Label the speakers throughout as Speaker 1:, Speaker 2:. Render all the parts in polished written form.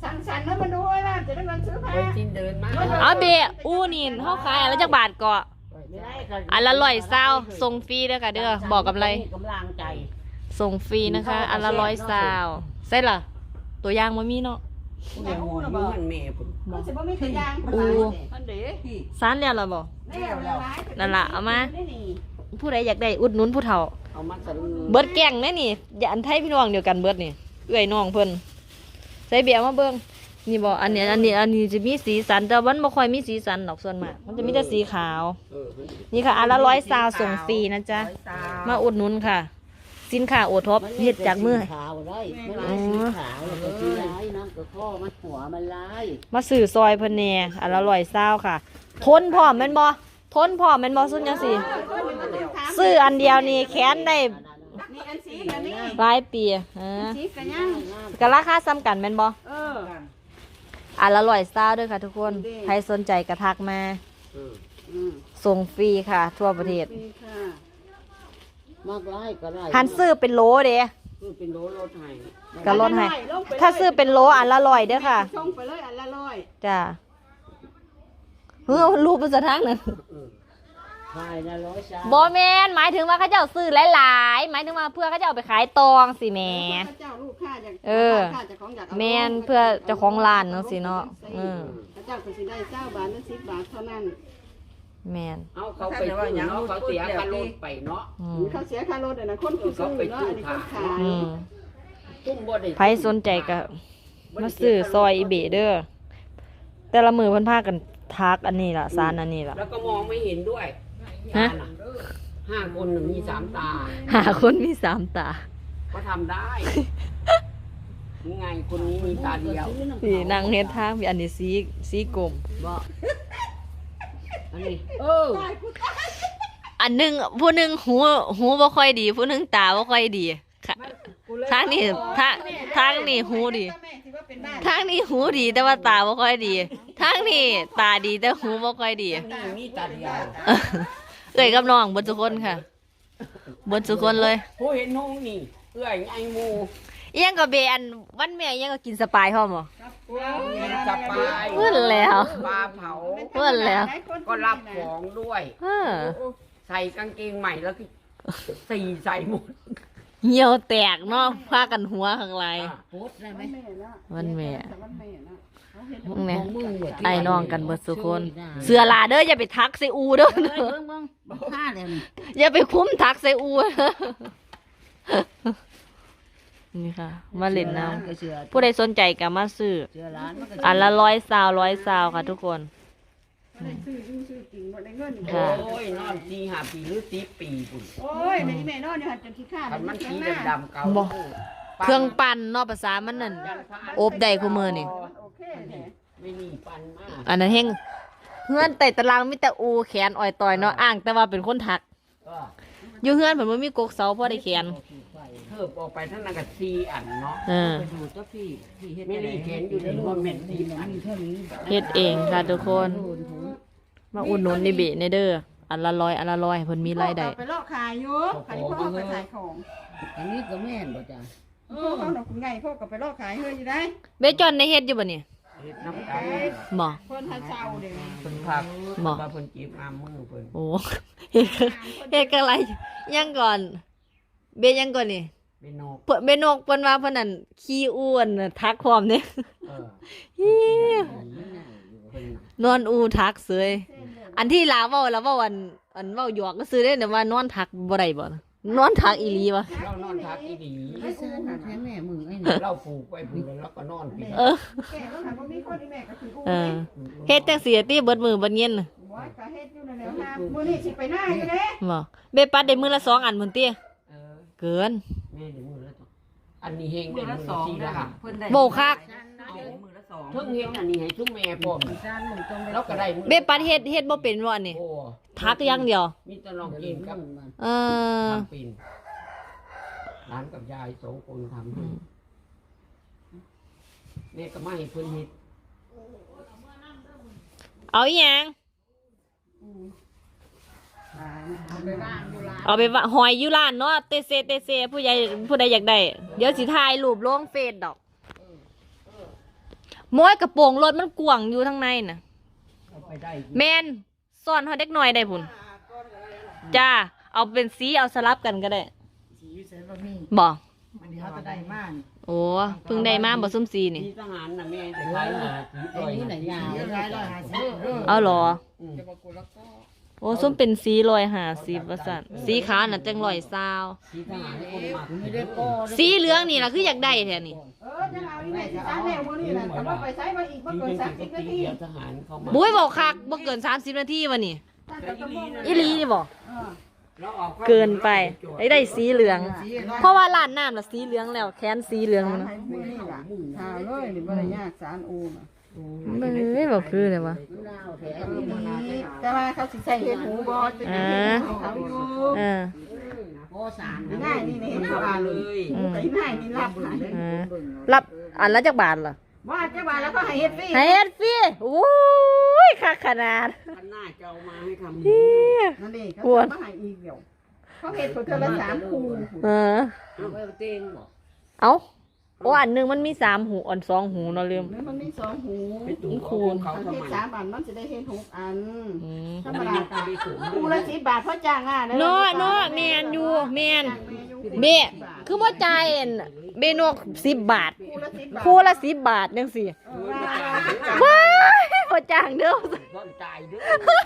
Speaker 1: สั่งสรรค์แล้วมาดูว่าจะได้เงินซื้อผ้า
Speaker 2: ไปจินเดินมา
Speaker 3: เอาเบะอู้นี่เขาขายอันละจักบาทเกาะอันละ120ส่งฟรีเด้อค่ะเด้อบอกกับอะไร
Speaker 2: กำลังใจ
Speaker 3: ส่งฟรีนะคะ อันละ120ใช่ล่ะตัวอย่างมันมีเนาะ
Speaker 2: แต่หูนะบ่มันแม่พุ่น
Speaker 1: มันจะบ่มีตัวอย่าง
Speaker 3: อู้
Speaker 1: มันเด้
Speaker 3: สานแล้วล่ะบ่ นั่นล่ะเอามา
Speaker 1: นี่
Speaker 3: ผู้ใดอยากได้อุดหนุนผู้เฒ่า
Speaker 2: เอามาสั่น
Speaker 3: เบิดแก่งแน่นี่อย่าอันไทยพี่น้องเดียวกันเบิดนี่เอื้อยน้องเพิ่นใส่เบียร์มาเบิ่งนี่บ่อันนี้จะมีสีสันแต่มันบ่ค่อยมีสีสันดอกส่วนมากมันจะมีแต่สีขาว นี่ค่ะอันละ120ส่งฟรีนะจ๊ะมาอุดหนุนค่ะ สินค้าโอท็อปเฮ็ดจากมือ
Speaker 2: ขาวได้ไม่ลายสีขาวแล้วก็สีลายน้ำกระข้อมันหัวมันลาย
Speaker 3: มาซื้อซอยเพิ่นแหน่อันละ120ค่ะ ทนพร้อมแม่นบ่ทนพร้อมแม่นบ่ซุนจังซี่ซื้ออันเดียวนี่แขนได้
Speaker 1: นี่อันสีอันนี้
Speaker 3: หลายปี
Speaker 1: สีกันยัง
Speaker 3: ก็ราคาซ้ำกันแม่นบ่
Speaker 1: อ
Speaker 3: อันละ120ด้วยค่ะทุกคนใครสนใจก็ทักมาส่งฟรีค่ะ ทั่วประเทศ
Speaker 2: มากไล่ก็ได้
Speaker 3: หันซื้อเป็นโลเด้
Speaker 2: คือเป็นโลรถให้
Speaker 3: ก็ลดให้ถ้าซื้อเป็นโลอันละ100เด้อค่ะ
Speaker 1: ส่งไปเลยอันละ100
Speaker 3: จ้ารูปภาษาทางนั้น
Speaker 2: ขายนะ100
Speaker 3: บอแมนหมายถึงว่าเขาเจ้าซื้อหลายๆหมายถึงว่าเพื่อเขาเจ้าเอาไปขายตองสิแหม่
Speaker 1: เจ้าลูกค้าอยาก
Speaker 3: แมนเพื่อเจ้าของร้านจังซี่เนาะ
Speaker 1: เจ้าก็สิได้9 บาทหรือ10 บาทเท่านั้น
Speaker 3: แมน
Speaker 2: เอาเขาไปซื้อเนาะเขาเสียค่ารถไปเนาะ
Speaker 1: เขาเสียค่ารถนะคนซื้อเนาะอันนี้คนขาย
Speaker 2: ตุ้มบ่ได้
Speaker 3: ใครสนใจก็มาซื้อซอยอีเบเด้อแต่ละมือเพิ่นพากันทักอันนี้ล่ะซานอันนี้ล่ะ
Speaker 2: แล้วก็มองไม่เห็นด้วย
Speaker 3: ฮะ
Speaker 2: 5 คน1มี3 ตา
Speaker 3: หาคนมี3ตา
Speaker 2: ก็ทำได้ยังไงคนนี้มีตาเดียว
Speaker 3: สีนางเฮ็ดทางมีอันนี้สีกลม
Speaker 2: บ่อันนี้
Speaker 3: อันหนึงผู้หนึงหูบ่ค่อยดีผู้หนึงตาบ่ค่อยดีค่ะทางนี้ทางนี้หูดีทางนี้หูดีแต่ว่าตาบ่ค่อยดีทางนี้ตาดีแต่หูบ่ค่อยดี
Speaker 2: นี่มีตาเดียว
Speaker 3: เอ้ยกับน้องเบิดทุกคนค่ะเบิดทุกคนเลย
Speaker 2: ผู้เห็นห้องนี่เอื้อยไอ้หมู
Speaker 3: อีหยังก็เบอันวันแม่อีหยังก็กินสปายพร้อมบ่
Speaker 2: จับปลา
Speaker 3: เพิ่นแล้ว
Speaker 2: ปลาเผา
Speaker 3: เพิ่นแล้ว
Speaker 2: ก็รับของด้วย ใส่กางเกงใหม่แล้วก็ใส่หมด
Speaker 3: เหี่ยวแตกเนาะพากันหัวข้างใน
Speaker 2: โพสได้ไหม
Speaker 3: วันแม่
Speaker 2: ข
Speaker 3: แม่
Speaker 2: องมึงเว้ย
Speaker 3: ไอ้น้องกันเบิดทุกคน เสือลาเด้ออย่าไปทักใส่อูเด้อ
Speaker 2: ผ้าเลยนี่
Speaker 3: อย่าไปคุ้มทักใส่อูนี่ค่ะ มาเล่นน้ำผู้ใดสนใจก็มาซื้อ
Speaker 2: เสื้อร้านมันก็
Speaker 3: อันละ120ค่ะทุกคน ค่ะ
Speaker 2: โอ้ยนอน4 5 ปีหรือ10 ปีปุ่น
Speaker 1: โอ้ยในแม่นอนอยู่หันจนขี้ข้า
Speaker 2: คันมันสีดำๆเก่า
Speaker 3: บ่ เครื่องปั่นเนาะภาษามันนั่นอบได้คู่มือนี่
Speaker 1: โอเคแหละ
Speaker 2: ไม่มีปันมาก
Speaker 3: อันนั้นเฮงเฮือนไต่ตารางมีแต่อูแขนอ่อยต่อยเนาะอ้างแต่ว่าเป็นคนทัก
Speaker 2: ก็
Speaker 3: อยู่เฮือนเพิ่นบ่มีกกเสาพอได้แขน
Speaker 2: เทิบออกไปทั้งนั้นก็4 อันเนาะ
Speaker 3: ไป
Speaker 2: ดูเจ้าพี่ไม่ได้เห็นอยู่ในคอมเมนต์4 อัน
Speaker 3: เฮ็ดเองค่ะทุกคน มาอุดหนุนนี่เบะในเด้ออันละ100อันละ100เพิ่นมีรายได้
Speaker 1: ไปลอกขายอยู่ขายพ่อไปขายของ
Speaker 2: อันนี้ก็แม่นบ่จ้ะ
Speaker 1: พ่อเขาหนอกคุณไงพ่อก็ไปลอกขายเฮ้ยอยู่ได้
Speaker 3: เบจอนได้เฮ็ดอยู่บ่นี่
Speaker 2: เฮ็ดน้ำกัน
Speaker 3: บ่
Speaker 1: คนทันเช้าเด้อ
Speaker 2: เพิ่นพัก
Speaker 3: บ่
Speaker 2: ว่าเพิ่นจีบอามมือเพิ่น
Speaker 3: โอ้ เฮ็ดกันอะไรยังก่อน เบยังก่อนนี่
Speaker 2: เป็นนก
Speaker 3: เพิ่นเบนกเพิ่นว่าเพิ่นนั่นขี้อ้วนน่ะทักพร้อมเด้
Speaker 2: เออ
Speaker 3: ฮิ้ว
Speaker 2: เพิ่น
Speaker 3: นอนอูทักเสยอันที่ลาเว้าแล้วเว้าอันเว้าหยอกก็ซื้อได้แต่ว่านอนทักบ่ได้บ่นะนอนทักอีหลีบ่
Speaker 2: เรานอนทักอีดี
Speaker 4: ไม่ใช่หาแท้แม่มึงไอ้
Speaker 2: เราปลูกไว้พุ่นแล้วก็นอนพี่
Speaker 3: เออ
Speaker 1: แก่ต้องถามว่ามีคนที่แม่ก็คือกู
Speaker 3: เออเฮ็ดจังซี่ติเบิดมื้อเบิดเย็นน่ะ
Speaker 1: ว่าก็เฮ็ดอยู่นั่นแหละครับมื้อนี้สิไปหน้าอยู่เด้
Speaker 3: บ่เบปัดได้มื้อละ2อันพุ่นติ
Speaker 2: เออ
Speaker 3: เกิน
Speaker 2: แม่ได้มือละสองอันนี้เฮงได้มือละ4ละค่ะ
Speaker 3: โบคัก
Speaker 4: มือละสอง
Speaker 2: เพิ่งเฮ็ดอันนี้ให้ซุมแม่พร้อม
Speaker 4: จานมึงต้อง
Speaker 2: แล้วก็ได้มือ
Speaker 3: เบปัดเฮ็ดบ่เป็นบ่อันนี้
Speaker 2: โอ้
Speaker 3: ทักอย่างเดียว
Speaker 2: มีแต่น้องกินกับ
Speaker 3: เออ
Speaker 2: ทำเป็นร้านกับยาย2 คนทำให้แม่ก็มาให้เพิ่นเฮ็ด
Speaker 3: เอาอีหยัง
Speaker 1: ไปบ้านอยู่ร้าน
Speaker 3: เอาไปว่าหอยอยู่ร้านเนาะเตเซผู้ใดอยากได้เดี๋ยวสิถ่ายรูปลงเฟซดอกโม้ยกระโปรงรถมันกว้างอยู่ทางในน่ะ
Speaker 2: เอาไปได้
Speaker 3: แมนซ่อนเฮาเด็กน้อยได้พุ่นจ้าเอาเป็นสีเอาสลับกันก็ได้
Speaker 4: สีใส่บะหมี่
Speaker 3: บ่
Speaker 4: มันเดี๋ยวเขาจะได้มาก
Speaker 3: โอ้เพิ่งได้มาบ่ซุ่มสีนี่
Speaker 2: ที่ทหารน่ะแม่จะขายหาสี
Speaker 4: ไอ้นี่ไหนยาวร้อย50
Speaker 3: เอาเหรอ
Speaker 4: จะบอกกูแล้วก็
Speaker 3: โอ้ส้มเป็นสี150ว่าซั่นสีขาวน่ะจัง120
Speaker 2: ที่ทหารคนมา
Speaker 4: ไม่ได้ก็
Speaker 3: สีเหลืองนี่ล่ะคืออยากได้แท้นี่
Speaker 1: จะเอาอีแม่สิตาแม่มื้อนี้น่ะแต่ว่าไปใช้มาอีกบ่
Speaker 2: ที่
Speaker 1: เกิน
Speaker 2: เป็น
Speaker 1: 30นาที
Speaker 2: เดียวทหารเข้ามา
Speaker 3: บุ้ยบอกคักบ่เกิน30นาทีวะนี่อีหลีนี่บ่
Speaker 2: แล้วออก
Speaker 3: เกินไปได้สีเหลือง เพราะว่าร้านน้ำน่ะสีเหลืองแล้วแขนสีเหลือง
Speaker 1: สาร
Speaker 3: นะ
Speaker 1: ให้มื้อนี้ล่ะหาเลยนี่บ่ได้ยากสารอูน่ะ
Speaker 3: เอ้ยบ่คือเลยวะ
Speaker 1: แต่ว่าเขาสิใส่เห็ดหูบ่จะเป็นเห็ดหูเขาอยู่
Speaker 3: เออ
Speaker 4: โอ้สาร
Speaker 1: ง่ายนี่เห็นเขาว่าเลย
Speaker 3: อืม
Speaker 1: ไอ้ง่ายนี่รับให้
Speaker 3: เออรับอันละจักบาทล่ะ
Speaker 1: ว่าจะว่าแล้วก็ให้เฮ็ดฟรี
Speaker 3: ให้เฮ็ดฟรีโอ้ยคักขนาด
Speaker 2: คันหน้าจะเอามาให้ทำ
Speaker 3: เหี้ย
Speaker 1: นั่นดิเขาจะมาให้อีกเดี๋ยวเขาเฮ็ดเพิ่นเทื่อละ3คู่
Speaker 3: เออ
Speaker 2: เอาไปเต้งบอก
Speaker 3: เอ้าโอ้อันหนึงมันมี3หูอัน2หูเนาะลืม
Speaker 1: นี่มันมี2หู
Speaker 2: ไปตู่เขา
Speaker 1: ถ้า
Speaker 2: ทำ
Speaker 1: เฮ็ด
Speaker 2: ไม
Speaker 1: 3อันมันสิได้เฮ็ด6อัน
Speaker 3: อืม
Speaker 1: ธรรมดาคู่ละ10บาทเพราะจ้างงาน
Speaker 3: เนาะแม่นอยู่แม่นเบะคือบ่จ่ายอันเบนก10 บาท
Speaker 1: คู่ละ10บาท
Speaker 3: คู่ละ10 บาทจังซี่
Speaker 1: ว่า
Speaker 3: ว้ายบ่จ้างเด้อ
Speaker 2: ต้นตายเด้อ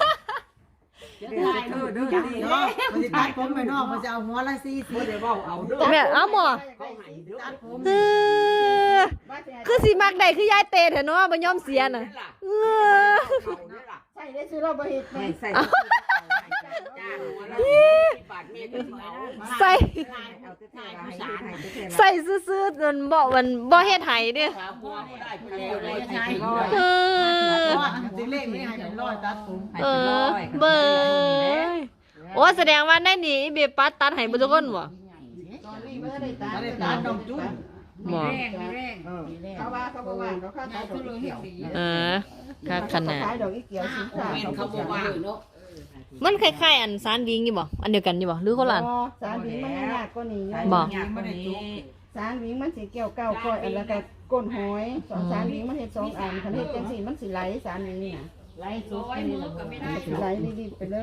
Speaker 4: เด้อดีเนาะมันจะตัดผมไปนอกมันจะเอาหัวละ40
Speaker 2: ไม่ได้ว่าเอาเด้อ
Speaker 3: แม่เอาหมอ
Speaker 2: เขาให้เด้อ
Speaker 3: เออคือสิมักได้คือยายเตเถอะเนาะบ่ยอมเสียน่ะเออ
Speaker 2: เขาเนี่ยล่ะ
Speaker 1: ใช่ได้ซื้อเราบ่เฮ็ดแม่
Speaker 4: ใส่
Speaker 2: จ้างหัวละ10 บาทแม่ก็สิเอา
Speaker 3: ใส่
Speaker 4: เอาแต่ถ่ายผู้สาร
Speaker 3: ใส่ซื่อๆจนบ่เฮ็ดให้เด้อ
Speaker 2: สาวหัวก็ได้ไปแล้วเลยใช่
Speaker 3: เออ
Speaker 4: จริงเลขไม่ให้เป็นร้อยตัดผม
Speaker 3: เออเบยโอ้แสดงว่าในนี่อีเบปัดตัดให้เบ่ทุกคนบ่
Speaker 1: ตอนนี้บ่ได้ตัด
Speaker 4: ไม่ได้ตัดดอกจุ้ง
Speaker 3: บ่
Speaker 1: เขาว่าเขาบ่ว่าเขาขายดอกอีเกี่ยว
Speaker 3: เออคักขนาด
Speaker 1: ขายดอกอีเกี่ยวสิค่ะ
Speaker 2: แม่นเขาบอกว่าเนาะ
Speaker 3: มันคล้ายๆอันสารวิงอยู่บ่อันเดียวกันอยู่บ่หรือคนละอัน
Speaker 1: สารวิงมันยากกว่านี้
Speaker 3: บ่
Speaker 4: ไม่ได้จุ้ง
Speaker 1: สารวิงมันสิเกี่ยวเก้าก้อยอันแล้วก็ก้นหอยสารวิงมันเฮ็ด2อันคันเฮ็ดจังซี่มันสิไหลสารวิงนี่น่ะ
Speaker 4: ไล่สุดนี่แหละ
Speaker 1: มันสิไหลรีบๆไปเลย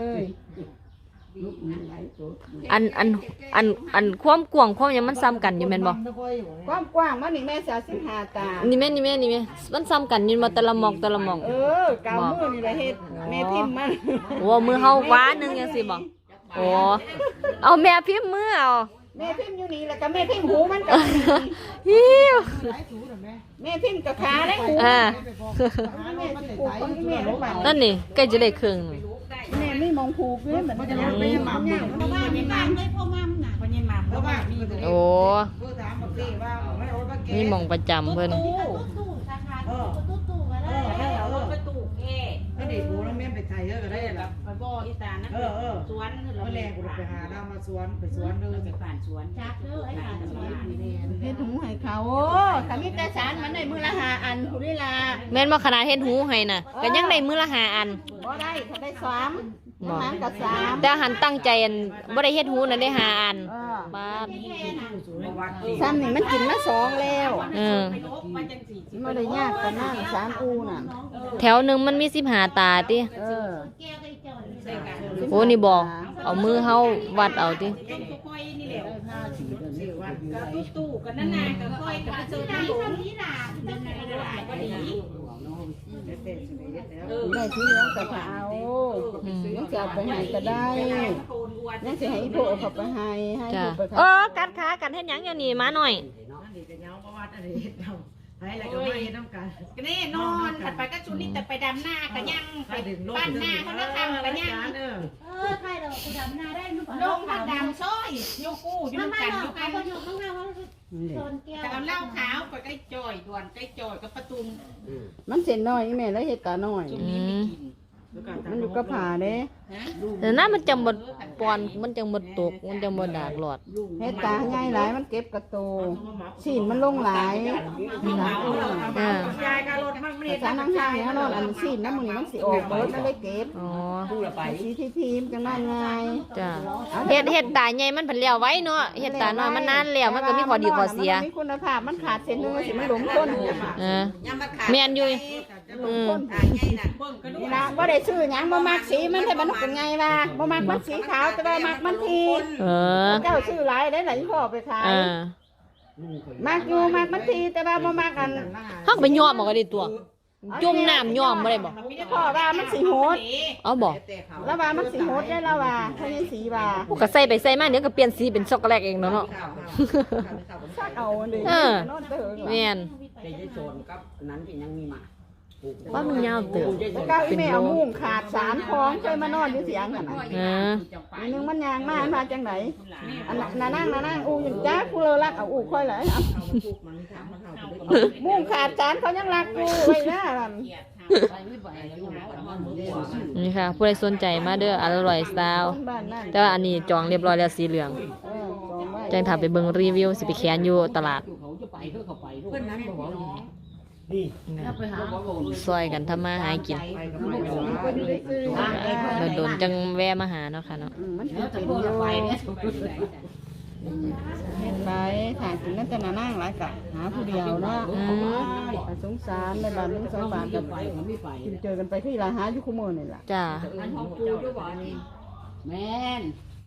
Speaker 3: อันความกว้างความหยังมันซ้ำกันอยู่แม่นบ่
Speaker 1: ความกว้างมันนี่แม่สิ15ตา
Speaker 3: นี่แม่มันซ้ำกันอยู่บ่แต่ละหม่อง
Speaker 1: กาวมือนี่แหละเฮ็ดแม่พิมพ์มัน
Speaker 3: โอ้มือเฮากว่าหนึงจังซี่บ่โอ้เอาแม่พิมพ์มือเอา
Speaker 1: แม่พิมพ์อยู่นี่แล้วก็แม่พิมพ์หูมันก็
Speaker 3: ฮิว
Speaker 1: แม่พิมพ์กับขาและหู
Speaker 3: อ่า
Speaker 1: แม่สิปลูกของแม่ลงไป
Speaker 3: นั่นนี่ใกล้จะได้ครึ่งหนึ่ง
Speaker 1: แม่ไม่มองผูกเลยเหมือนกัน
Speaker 4: ไม่ยามเนี่ยเพราะว่ามีมามเลยพ่อมามน่ะเพราะยังมามเพราะว่ามี
Speaker 3: โอ้
Speaker 4: ถามบอกสิว่าไม่โอ้ว่าแก
Speaker 3: นี่หมองประจำเพิ่น
Speaker 4: ประตูแก่ไม่ได้ปูแล้วแม่ไปไทยเยอะก็ได้แบบไปบ่ออีสานนะสวนเราแรงกูไปหาดาวมาสวนไปสวนเลยไปผ่านสวนจักเด้อไอ้ผ่านสวน
Speaker 1: เฮ็ดหูให้เขาถ้ามีแต่สารมันได้มือละ5อันผู้นี่ล่ะ
Speaker 3: แม่นบ่ขนาดเฮ็ดหูให้น่ะก็ยังได้มื้อละ5อัน
Speaker 1: บ่ได้ถ้าได้3น้ำมันก็3
Speaker 3: แต่หันตั้งใจอันบ่ได้เฮ็ดหูน่ะได้5อันบาด
Speaker 1: ซ้ำนี่มันกินมา2แล้ว
Speaker 3: เออ
Speaker 1: บ่ได้ยากปานนั้นสารอูน่ะ
Speaker 3: แถวหนึงมันมี15ตาติ
Speaker 1: เออ
Speaker 3: โอ้นี่บ่เอามือเฮาวัดเอาติ
Speaker 4: ตู้กันนั่นน่ะก็ค่อยกับเจอที่หลงนี่ล่ะนั่นน่ะก็ดี
Speaker 1: ได้สีเหลืองก็เอายังจะเอาไปให้ก็ได้ยังสิให้อีโพเขาไปให้
Speaker 3: จ้ะ
Speaker 1: ผู้ไป
Speaker 3: เอ
Speaker 1: ขาย
Speaker 3: อกัดขากันเฮ็ดหยังอยู่นี่มาหน่อย
Speaker 4: แน่นอนถัดไปก็ชุดนี้แต่ไปดำหน้ากันยังไปบ้านหน้าเขาแล้วทำกันยัง
Speaker 5: ใครเราคุณดำนาได้มั้ง
Speaker 4: ลงมาดำซ้อยโยกู้อยู่
Speaker 5: มา
Speaker 4: กัน
Speaker 5: เรา
Speaker 4: อยู่
Speaker 5: ใคร
Speaker 4: กัน
Speaker 5: คนอยู่ข้างหน้าว่าโซนแก้ว
Speaker 4: แต่เอาเหล้าขาวไปใกล้จอยด่วนใกล้จอยกับประตู
Speaker 1: มันเส้นน้อยอีแม่แล้วเฮ็ดตาน้อย
Speaker 3: อืม
Speaker 1: มันอยู่กับผาเด้
Speaker 3: แต่นั้นมันจังบ่ปอนมันจังบ่ตกมันจังบ่ดากหลอด
Speaker 1: เฮ็ดตาใหญ่หลายมันเก็บกระโตชิ้นมันลงหลาย
Speaker 3: อ่า
Speaker 4: ยายก็รถมันไม่ได้
Speaker 1: สารนั่งห้างเนี่ยนอนอันซีนน้ำมือมันสิออกเบิดมันเลยเก็บ
Speaker 3: อ๋อ
Speaker 2: พูดละไป
Speaker 1: สีที่ทีมจังนั่นไง
Speaker 3: จ้ะเฮ็ดตาใหญ่มันเพิ่นแล้วไว้เนาะเฮ็ดตาน้อยมันนานแล้วมันก็มีข้อดีข้อเสีย
Speaker 1: มันมีคุณภาพมันขาดเส้นนึงสิมันหลงต้น
Speaker 3: แม่นอยู่
Speaker 1: นี่ละบ่ได้ซื้อหยังบ่มักสีมันให้มันเป็นไงว่าบ่มักมันสีขาวแต่ว่ามักมันที เจ้าซื้อหลายได้หลายพ่อไปขายมักอยู่มักมันทีแต่ว่าบ่มักอัน
Speaker 3: เฮาก็ไปย้อมเอาก็ได้ตัว จุ่มน้ำย้อมบ่ได้บ่
Speaker 1: พ่อว่ามันสิโหด
Speaker 3: เอาบ่
Speaker 1: แล้วว่ามันสิโหดได้แล้วว่าเท่านี้สีว่า
Speaker 3: พวกก็ใส่ไปใส่มาเดี๋ยวก็เปลี่ยนสีเป็นช็อกโกแลตเองเนาะ
Speaker 1: ซักเอาเลย
Speaker 3: เออ
Speaker 1: นอนเด้อ
Speaker 3: แม่น
Speaker 2: แต่ยายโซนกับนั้นที่ยังมีมา
Speaker 3: ว่ามันยาวเติบ
Speaker 1: แล้วก็อีแม่เอามุ้งขาด3ของเคยมานอนอยู่เสียงนั่นน่ะ อันนึงมันยางมาจังไหนอันนั่งอูอยู่จ้าผู้เลอรักเอาอูค่อยเลยมุ่งขาดจานเขายังรักกูไว้นะ
Speaker 3: นี่ค่ะผู้ใดสนใจมาเด้ออร่อยสไตล์
Speaker 1: บ้านนั่น
Speaker 3: แต่ว่าอันนี้จองเรียบร้อยแล้วสีเหลือง
Speaker 1: จองไว้
Speaker 3: จังถ้าไปเบิ่งรีวิวสิไปแขนอยู่ตลาด
Speaker 2: เขาจะไปเขาไปเพื่อนนั้นบอกว่า
Speaker 3: ซอยกันทำมาหากินโดนๆจังแวะมาหาเนาะค่ะเนาะ
Speaker 1: มันเป็นอยู่เห็นไหมถ่ายกินนั่นจะนั่งหลายกะหาผู้เดียวเนาะสงสารในบ้านนึง2 บาทกันกินเจอกันไปที่ร้านหาอยู่คู่มือนี่ล่ะ
Speaker 3: จ้า
Speaker 2: แม่น